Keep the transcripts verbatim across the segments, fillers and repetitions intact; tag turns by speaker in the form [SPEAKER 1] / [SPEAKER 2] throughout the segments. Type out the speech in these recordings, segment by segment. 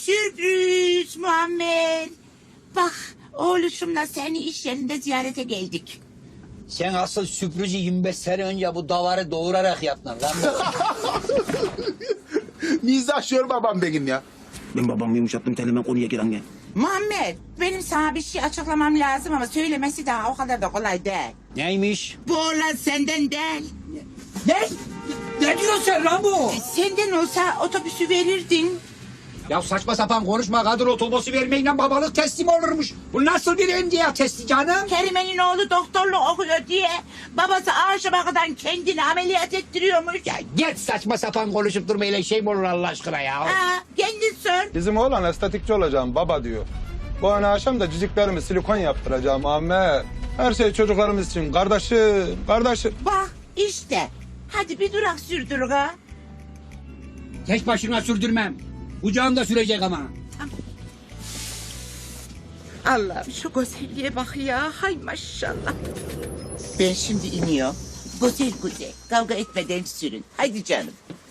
[SPEAKER 1] Sürpriz Muammer. Bak oğluşumla seni iş yerinde ziyarete geldik.
[SPEAKER 2] Sen asıl sürprizi yirmi beş sene önce bu davarı doğurarak yaptın lan.
[SPEAKER 3] Mizahşör babam benim ya.
[SPEAKER 4] Ben babamı yumuşattım telime konuya giren gel.
[SPEAKER 1] Muammer benim sana bir şey açıklamam lazım ama söylemesi daha o kadar da kolay değil.
[SPEAKER 2] Neymiş?
[SPEAKER 1] Bu oğlan senden değil.
[SPEAKER 2] Ne? Ne diyorsun sen lan bu?
[SPEAKER 1] Senden olsa otobüsü verirdin.
[SPEAKER 2] Ya saçma sapan konuşma, kadın otobüsü vermeyle babalık teslim olurmuş. Bu nasıl bir emniyet testi canım?
[SPEAKER 1] Kerime'nin oğlu doktorluk okuyor diye babası aşamadan kendini ameliyat ettiriyormuş.
[SPEAKER 2] Ya git saçma sapan konuşup durmayla şey mi olur Allah aşkına ya?
[SPEAKER 1] Ha, kendin sor.
[SPEAKER 5] Bizim oğlan estetikçi olacağım baba diyor. Bu ana akşam da ciciklerimi silikon yaptıracağım Ahmet. Her şey çocuklarımız için kardeşim, kardeşim.
[SPEAKER 1] Bak işte. Hadi bir durak sürdür ha.
[SPEAKER 2] Tek başına sürdürmem. Kucağımda sürecek ama.
[SPEAKER 1] Allah'ım şu güzelliğe bak ya. Hay maşallah. Ben şimdi iniyorum. Güzel güzel. Kavga etmeden sürün. Haydi canım.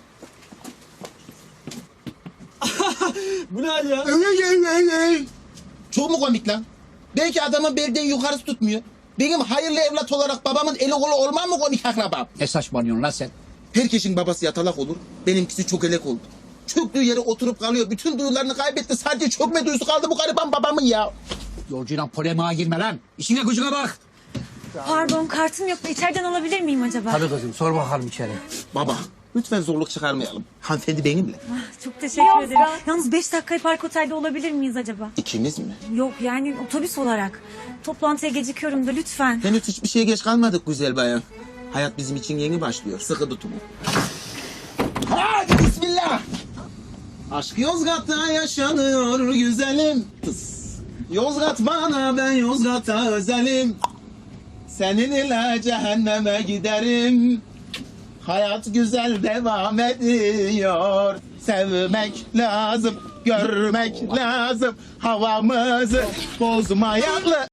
[SPEAKER 4] Bu ne hal ya?
[SPEAKER 3] Ey, ey, ey, ey. Çok mu komik lan? Belki adamın belden yukarısı tutmuyor. Benim hayırlı evlat olarak babamın eli kolu olmam mı komik akrabam?
[SPEAKER 2] Ne saçmalıyorsun lan sen?
[SPEAKER 3] Herkesin babası yatalak olur. Benimkisi çok elek oldu. Çöktüğü yere oturup kalıyor. Bütün duyularını kaybetti. Sadece çökme duyusu kaldı bu gariban babamın ya.
[SPEAKER 2] Yolcuyla polemiğe girme lan. İşine gücüne bak.
[SPEAKER 6] Pardon, kartım yok da içeriden alabilir miyim acaba?
[SPEAKER 2] Tabii kızım, sor bakalım içeri.
[SPEAKER 3] Baba lütfen zorluk çıkarmayalım. Hanımefendi benimle.
[SPEAKER 6] Ah, çok teşekkür ederim. Yalnız beş dakikayı park otelde olabilir miyiz acaba?
[SPEAKER 3] İkimiz mi?
[SPEAKER 6] Yok yani otobüs olarak. Toplantıya gecikiyorum da lütfen.
[SPEAKER 3] Henüz hiçbir şeye geç kalmadık güzel bayan. Hayat bizim için yeni başlıyor. Sıkı tutunun. Hadi bismillah. Aşk Yozgat'ta yaşanıyor güzelim. Tıs. Yozgat bana, ben Yozgat'a özelim. Seninle cehenneme giderim. Hayat güzel devam ediyor. Sevmek lazım, görmek lazım. Havamızı bozmayalım.